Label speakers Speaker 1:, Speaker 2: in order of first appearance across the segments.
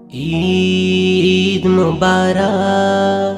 Speaker 1: ঈদ মুবারক,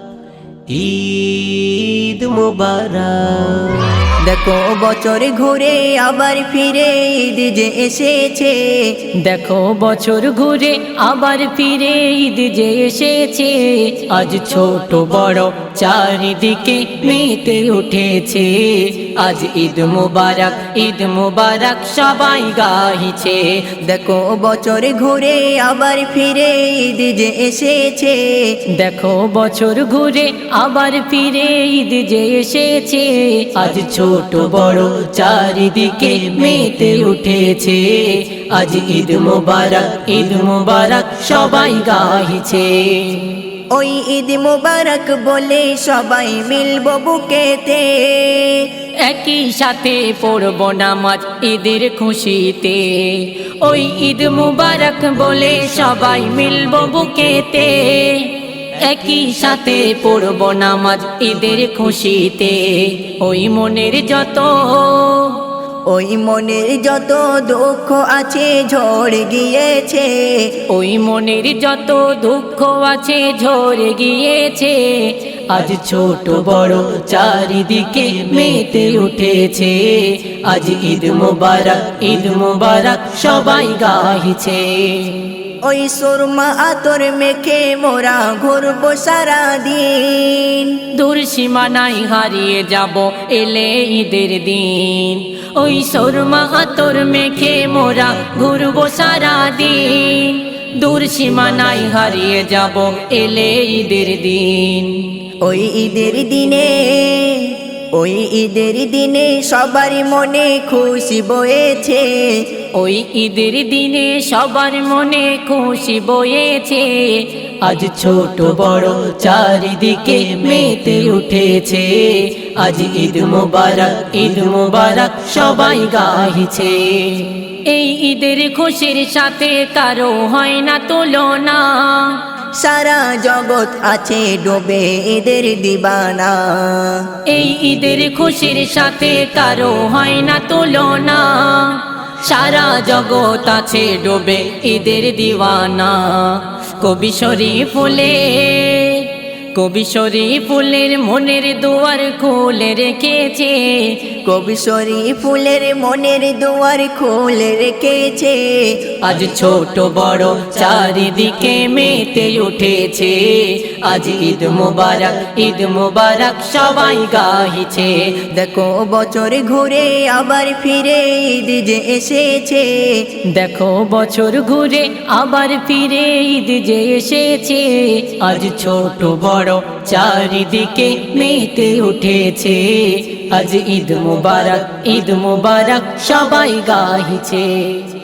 Speaker 1: ঈদ মুবারক।
Speaker 2: দেখো বছর ঘুরে আবার ফিরে ঈদ যে এসেছে।
Speaker 3: দেখো বছর ঘুরে আবার ফিরে ঈদ যে এসেছে। আজ ছোট বড় চারিদিকে মেতে উঠেছে। আজ ঈদ মুবারক, ঈদ মুবারক সবাই গাইছে।
Speaker 2: দেখো বছর ঘুরে আবার ফিরে ঈদ যে এসেছে।
Speaker 3: দেখো বছর ঘুরে আবার ফিরে ঈদ যে এসেছে। আজ ছোট বড় চারিদিকে মেতে উঠেছে। আজ ঈদ মুবারক, ঈদ মুবারক সবাই গাইছে।
Speaker 2: ওই ঈদ মুবারক বলে সবাই মিলবো বুকেতে।
Speaker 3: একই সাথে পড়ব নামাজ ঈদের খুশিতে। ওই ঈদ মুবারক বলে সবাই মিলব বুকেতে। একই সাথে পড়ব নামাজ ঈদের খুশিতে। ওই মনের যত
Speaker 2: দুঃখ আছে ঝরে গিয়েছে।
Speaker 3: ওই মনের যত দুঃখ আছে ঝরে গিয়েছে। আজ ছোট বড় চারিদিকে মেতে উঠেছে। আজ ঈদ মুবারক, ঈদ মুবারক সবাই গাইছে।
Speaker 2: ওই সুরমা আতর মেখে মোরা ঘুরবো সারা দিন।
Speaker 3: দূর সীমানায় হারিয়ে যাব এলে ঈদের দিন। ওই সুরমা আতর মেখে মোরা ঘুরবো সারা দিন। দূর সীমানায় হারিয়ে যাব এলে ঈদের দিন।
Speaker 2: ওই ঈদের দিনে সবার মনে খুশি বয়েছে।
Speaker 3: ওই ঈদের দিনে সবার মনে খুশি বয়েছে। আজ ছোট বড় চারিদিকে মেতে উঠেছে। আজ ঈদ মুবারক, ঈদ মুবারক সবাই গাইছে। এই ঈদের খুশির সাথে কারো হয় না তুলনা।
Speaker 2: সারা জগৎ আছে ডোবে ঈদের দিবানা।
Speaker 3: এই ঈদের খুশির সাথে কারো হয় না তুলনা। সারা জগৎ আছে ডোবে ঈদের দিওয়ানা। কবি শরীফুলের মনের দুয়ার খুলে রেখেছে।
Speaker 2: কবি শরীফুলের মনের দুয়ার খুলে রেখেছে।
Speaker 3: আজ ছোট বড় চারিদিকে মেতে উঠেছে। আজ ঈদ মুবারক, ঈদ মুবারক সবাই গাইছে।
Speaker 2: দেখো বছর ঘুরে আবার ফিরে ঈদ যে এসেছে।
Speaker 3: দেখো বছর ঘুরে আবার ফিরে ঈদ যে এসেছে। আজ ছোট বড় চারিদিকে মেতে উঠেছে। আজ ঈদ মুবারক, ঈদ মুবারক সবাই গাইছে।